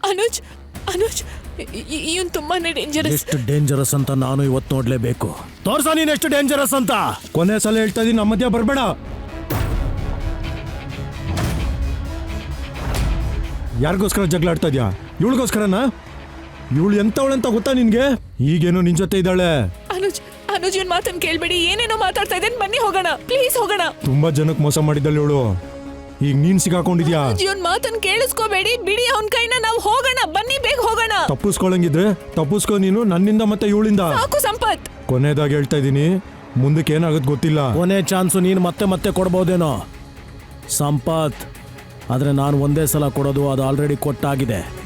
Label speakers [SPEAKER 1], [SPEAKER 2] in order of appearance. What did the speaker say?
[SPEAKER 1] ಅನುಜ್ ಅನುಜ್ ಇವನ್ ತುಂಬಾನೇ ಡೇಂಜರಸ್.
[SPEAKER 2] ಎಷ್ಟು ಡೇಂಜರಸ್ ಅಂತ ನಾನು ಇವತ್ತು ನೋಡ್ಲೇಬೇಕು. ತೋರ್ಸ ನೀನ್ ಎಷ್ಟು ಡೇಂಜರಸ್ ಅಂತ. ಕೊನೆ ಸಲ ಹೇಳ್ತಾ ಇದೀನಿ, ನಮ್ಮ ಮಧ್ಯ ಬರ್ಬೇಡ. ಯಾರಿಗೋಸ್ಕರ ಜಗಳ ಆಡ್ತಾ ಇದ್ಯಾ? ಇವಳಿಗೋಸ್ಕರನಾ? ಇವಳು ಎಂತವಳಂತ ಗೊತ್ತಾ ನಿನ್ಗೆ? ಈಗೇನೋ ನಿನ್ ಜೊತೆ ಇದ್ದಾಳೆ.
[SPEAKER 1] ಅನುಜ್ ಅನುಜ್ ಇವನ್ ಮಾತನ್ನ ಕೇಳ್ಬೇಡಿ. ಏನೇನೋ ಮಾತಾಡ್ತಾ ಇದ್ದೇನೆ. ಬನ್ನಿ ಹೋಗೋಣ, ಪ್ಲೀಸ್ ಹೋಗೋಣ.
[SPEAKER 2] ತುಂಬಾ ಜನಕ್ಕೆ ಮೋಸ ಮಾಡಿದ್ದಾಳೆ ಇವಳು. ಈಗ ನೀನ್ ಸಿಗಾಕೊಂಡಿದ್ಯಾ?
[SPEAKER 1] ಇವನ್ ಮಾತನ್ನ ಕೇಳಿಸ್ಕೋಬೇಡಿ, ಬಿಡಿ ಅವನ್ ಕೈನ. ನಾವು ಹೋಗೋಣ, ಬನ್ನಿ ಬೇಗ ಹೋಗೋಣ.
[SPEAKER 2] ತಪ್ಪಿಸ್ಕೊಳಂಗಿದ್ರೆ ತಪ್ಪಿಸ್ಕೊ ನೀನು, ನನ್ನಿಂದ ಮತ್ತೆ ಇವಳಿಂದ.
[SPEAKER 1] ಸಾಕು ಸಂಪತ್.
[SPEAKER 2] ಕೊನೆದಾಗಿ ಹೇಳ್ತಾ ಇದೀನಿ, ಮುಂದಕ್ಕೆ ಏನಾಗುತ್ತೆ ಗೊತ್ತಿಲ್ಲ. ಕೊನೆ ಚಾನ್ಸು ನೀನು ಮತ್ತೆ ಮತ್ತೆ ಕೊಡ್ಬೋದೇನೋ ಸಂಪತ್, ಆದ್ರೆ ನಾನು ಒಂದೇ ಸಲ ಕೊಡೋದು, ಅದು ಆಲ್ರೆಡಿ ಕೊಟ್ಟಾಗಿದೆ.